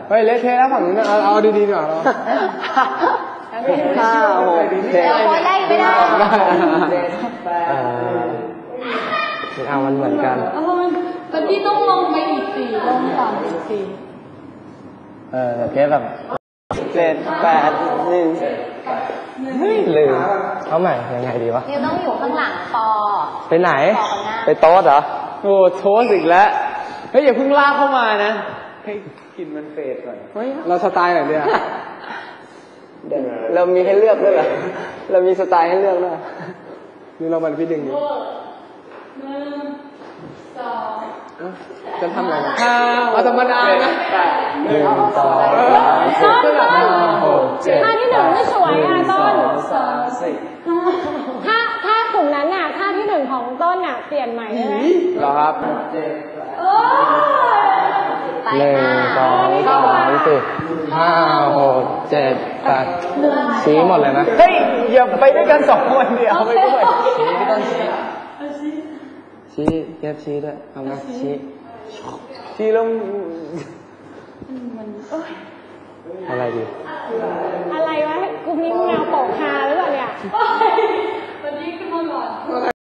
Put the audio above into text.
เฮ้ยเละเทะแล้วฝั่งนู้นเอาดีๆดีกว่าเรา 5 6 7 ได้ไม่ได้เอามันเหมือนกันแต่พี่ต้องลงไปอีก4ลงต่ำอีก4 เทปแบบ7 8 1ลืมเอาใหม่ยังไงดีวะนิวต้องอยู่ข้างหลังปอไปไหนไปโต๊ะเหรอโอ้โทสอีกแล้วเฮ้ยอย่าเพิ่งลากเข้ามานะให้กินมันเฟดก่อนเฮ้ยเราสไตล์ไหนเนี่ยเรามีให้เลือกด้วยเหรอเรามีสไตล์ให้เลือกด้วยนี่เรามันพี่ดึงดิ1 2จะทำอะไรเอาธรรมดานะ 1 2 3 4 ท่าที่1ไม่สวยอ่ะต้นถ้ากลุ่มนั้นน่ะท่าที่1ของต้นน่ะเปลี่ยนใหม่ได้ไหมเหรอครับ 1 2 3 4 5 6 7 8ชี้หมดเลยนะเฮ้ยอย่าไปด้วยกัน2 คนเดียวไปด้วยชี้ไม่ต้องชี้เก็บชี้ด้วยเอามาชี้แล้วอะไรดีอะไรวะกลุ่มนี้แนวโปกฮาหรือเปล่าเนี่ยวันนี้ขึ้นมาก่อน